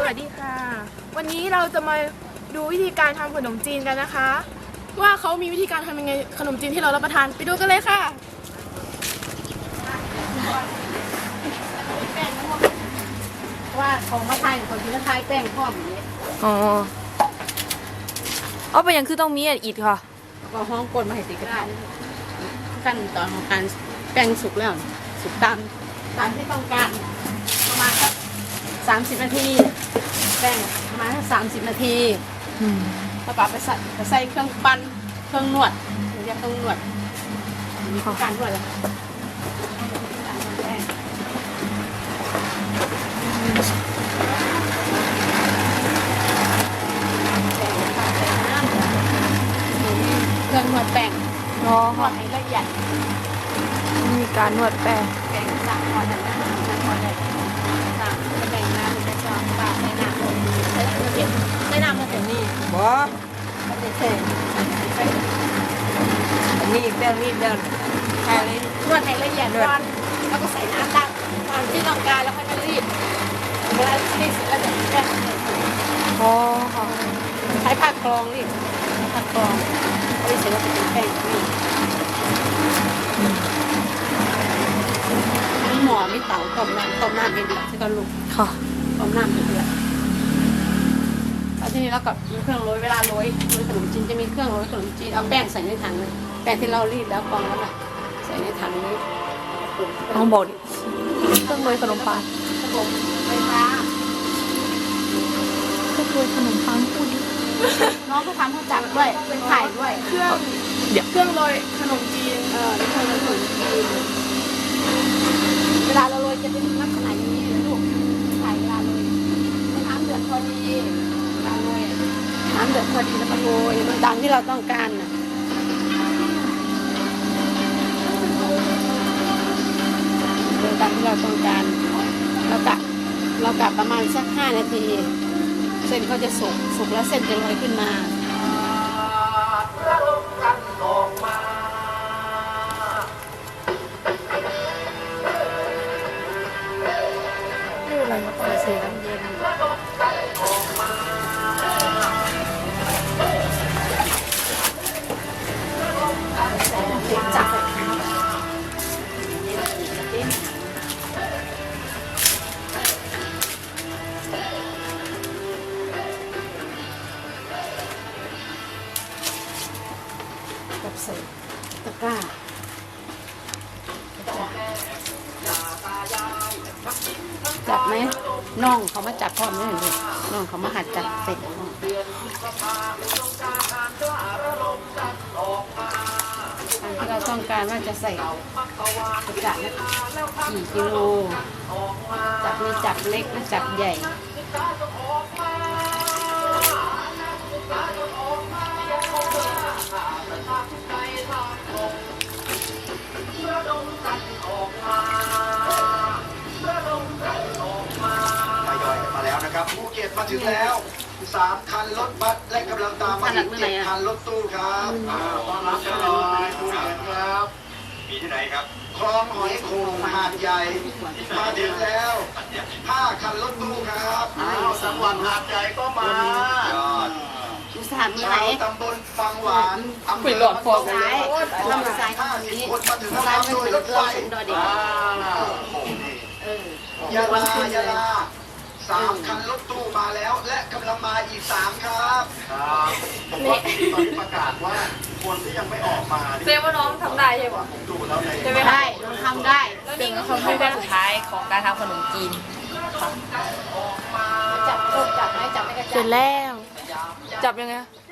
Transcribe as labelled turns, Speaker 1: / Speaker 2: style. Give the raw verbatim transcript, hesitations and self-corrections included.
Speaker 1: วัสดีค่ะวันนี้เราจะมาดูวิธีการทำขนมจีนกันนะคะว่าเขามีวิธีการทำยังไงขนมจีนที่เรารับประทานไปดูกันเลยค่ะ
Speaker 2: ว่าของมาไทยของที่มาไทยแป้งพร้อมอย่างนี้
Speaker 3: อ๋อเอาไปยังคือต้องมีอีกค่ะ
Speaker 2: ก็ห้องกลมาให้ติดก็ได้ขั้นตอนของการแป้งสุกแล้วสุกตามตามที่ต้องการประมาณสักสามสิบนาทีแป้งประมาณสักสามสิบนาทีแล้วก็ไปใส่ไปใส่เครื่องปั้นเครื่องนวดเรียกเครื่องนวดมีการนวดเลยเครื่องนวดแป้งนวดให้ละเอียด
Speaker 3: มีการนวดแป้ง
Speaker 2: แป้งสามนวดแต่ละนวดเลยสามแป้งน้ำจะชอบปลาใส่น้ำใส่น้ำเย็นใส่น้ำมาถึงนี่
Speaker 3: บ่
Speaker 2: ไม่ได้ใส่
Speaker 3: นี่แป้งนี่เดินแค่นี้
Speaker 2: นวดให้ละเอียดก่อนแล้วก็ใส่น้ำตามตามที่ต้องการแล้วค่อยมารีดเวลารีดเสร็จแล้วเดี๋ยวแป้ง
Speaker 3: อ๋อค่ะ
Speaker 2: ใช้ผ้ากรองรีดผ้ากรองรีดเสร็จแล้วจะเป็นแป้งนี่มีหม้อมีเตาต้มน้ำต้มน้ำเดือดใช่ก่อนลูก
Speaker 3: ค่ะ
Speaker 2: ต้มน้ำเดือดแล้วทีนี้เราก็มีเครื่องโรยเวลาโรยโรยขนมจีนจะมีเครื่องโรยขนมจีนเอาแป้งใส่ในถังเลยแป้งที่เรารีดแล้วกรองแล้วน่ะใส่ในถังนี้
Speaker 3: ลองบอกดิเครื่องโรยขนมปัง
Speaker 2: ระบบไฟฟ้า
Speaker 3: เครื่องโรยขนมปังพูดดิ
Speaker 2: น้องก็ทำให้จับด้วยเป็นไข่ด้วย
Speaker 1: เครื่องเดี๋ยวเครื่องโรยขนมจีน
Speaker 2: เออเครื่องโรยขนมจีนเวลาเราโรยจะเป็นลักษณะอย่างนี้เลยลูกไข่เวลาโรยน้ำเดือดพอดีเวลาโรยน้ำเดือดพอดีแล้วก็โรยมันดังที่เราต้องการน่ะตามที่เราต้องการเรากะเรากะประมาณสักห้านาทีเส้นเขาจะสุกสุกแล้วเส้นจะลอยขึ้นมา
Speaker 3: นี่อะไรมาต่อ
Speaker 2: เสียน้ำเย็นจับใส่ตะกร้าจับไหมน้องเขามาจับพร้อมด้วยเลยน้องเขามาหัดจับเสร็จตามที่เราต้องการว่าจะใส่กระจาดกี่กิโลจับมีจับเล็กและจับใหญ่
Speaker 4: ภูเก็ตมาถึงแล้วสามคันรถบัสและกำลังตามมาอีกเจ็ดคันรถตู้ครับต้อนรับกันหน่อยภูเก็ตครับมีที่ไหนครับคลองหอยโขงหาดใหญ่มาถึงแล้วห้าคันรถตู้ครับสังหวัดหาดใหญ่ก็มายอด
Speaker 2: สถานที่ไหน
Speaker 4: ตำบลฟังหวานอำเภอ
Speaker 2: หลอดฟองซ้ายลำซ้ายห้าสิบ
Speaker 4: คนมาถึง
Speaker 2: ซ้าย
Speaker 4: แล้วโดยรถไฟยาลายาลาสามคันรถตู้มาแล้วและกำลังมาอีกสามครับครับผมว่าตอนนี้ประกาศว่าคนที่ยังไม่ออกมา
Speaker 3: เซว่าน้องทำได้ใช่ปะ
Speaker 4: ดูแล้วใน
Speaker 2: จะไม่ได้น้องทำได้
Speaker 3: แล้วนี่ก็คือขั้นตอนสุดท้ายของการทำขนมจีน
Speaker 2: จับจับไหมจับไม่กระจับ
Speaker 3: เสร็จแล้วจับยังไง